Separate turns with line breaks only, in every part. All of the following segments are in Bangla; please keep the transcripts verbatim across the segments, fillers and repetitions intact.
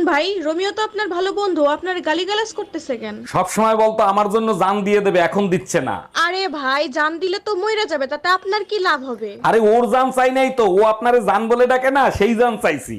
ভাই, রোমিও তো আপনার ভালো বন্ধু, আপনার গালিগালাজ করতেছে কেন?
সব সময় বলতো আমার জন্য জান দিয়ে দেবে, এখন দিচ্ছে না।
আরে ভাই, জান দিলে তো মইরা যাবে, তাতে আপনার কি লাভ হবে?
আরে ওর জান চাই নাই তো, ও আপনারে জান বলে ডাকে না, সেই জান চাইছি।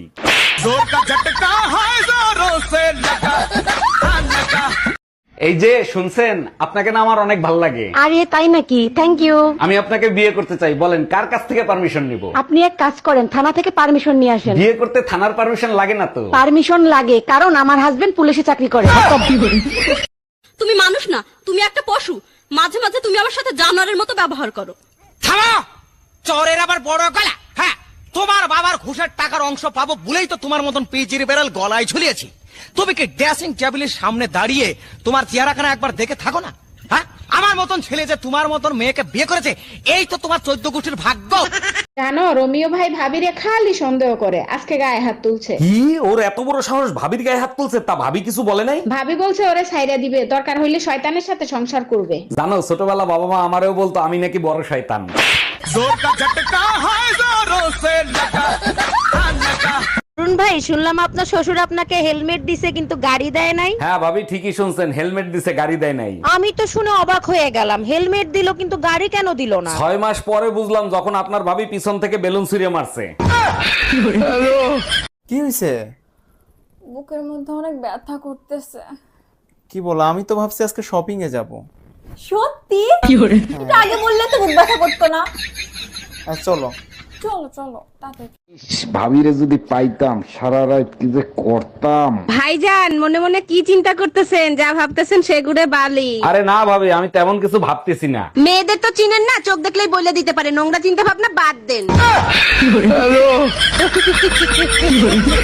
এই যে শুনছেন, আপনাকে না আমার অনেক ভালো লাগে।
আরে তাই নাকি? Thank you.
আমি আপনাকে বিয়ে করতে চাই, বলেন কার কাছ থেকে পারমিশন নিব?
আপনি এক কাজ করেন, থানা থেকে পারমিশন নিয়ে আসেন।
বিয়ে করতে থানার পারমিশন লাগে না তো?
পারমিশন লাগে, কারণ আমার হাজবেন্ড পুলিশে চাকরি করে।
তুমি মানুষ না, তুমি একটা পশু। মাঝে মাঝে তুমি আমার সাথে জানোয়ারের মতো ব্যবহার করো।
থামো! চোরের আবার বড় গলা। হ্যাঁ, তোমার বাবার ঘুষের টাকার অংশ পাবো বলেই তো তোমার মতন পিজির বেড়াল গলায় ঝুলিয়েছি। তুমি কি ড্রেসিং টেবিলের সামনে দাঁড়িয়ে তোমার চেহারাখানা একবার দেখে থাকো না? হ্যাঁ, আমার মতন ছেলে যে তোমার মতন মেয়েকে বিয়ে করেছে, এই তো তোমার চোদ্দ গোষ্ঠীর ভাগ্য।
জানো, রোমিও ভাই ভাবিরে খালি সন্দেহ করে, আজকে গায়ে হাত তুলছে।
কি, ওর এত বড় সাহস ভাবির গায়ে হাত তুলছে? তা ভাবি কিছু বলে নাই?
ভাবি বলছে ওরে ছাইরা দিবে, দরকার হইলে শয়তানের সাথে সংসার করবে।
জানো, ছোটবেলা বাবা মা আমারেও বলতো আমি নাকি বড় শয়তান।
অরুণ ভাই, শুনলাম আপনার শ্বশুর আপনাকে হেলমেট দিছে কিন্তু গাড়ি দেয় নাই।
হ্যাঁ ভাবি, ঠিকই শুনছেন, হেলমেট দিছে, গাড়ি দেয় নাই।
আমি তো শুনে অবাক হয়ে গেলাম, হেলমেট দিল কিন্তু গাড়ি কেন দিল না?
ছয় মাস পরে বুঝলাম, যখন আপনার ভাবি পিছন থেকে বেলুন ছুঁড়ে মারছে।
কি হয়েছে?
বুকের মধ্যে অনেক ব্যথা করতেছে।
কি বলো? আমি তো ভাবছি আজকে শপিং এ যাব।
সত্যি? একটু আগে বললে তো বুক ব্যথা করতো না।
আর চলো।
চলো চলো তাড়াতাড়ি।
ভাবিরে যদি পাইতাম, সারা রাত কি যে করতাম।
ভাইজান, মনে মনে কি চিন্তা করতেছেন? যা ভাবতেছেন সেগুড়ে বালি।
আরে না ভাবি, আমি তেমন কিছু ভাবতেছি না।
মেয়েদের তো চিনেন না, চোখ দেখলেই বলে দিতে পারে। নোংরা চিন্তা ভাবনা বাদ দেন।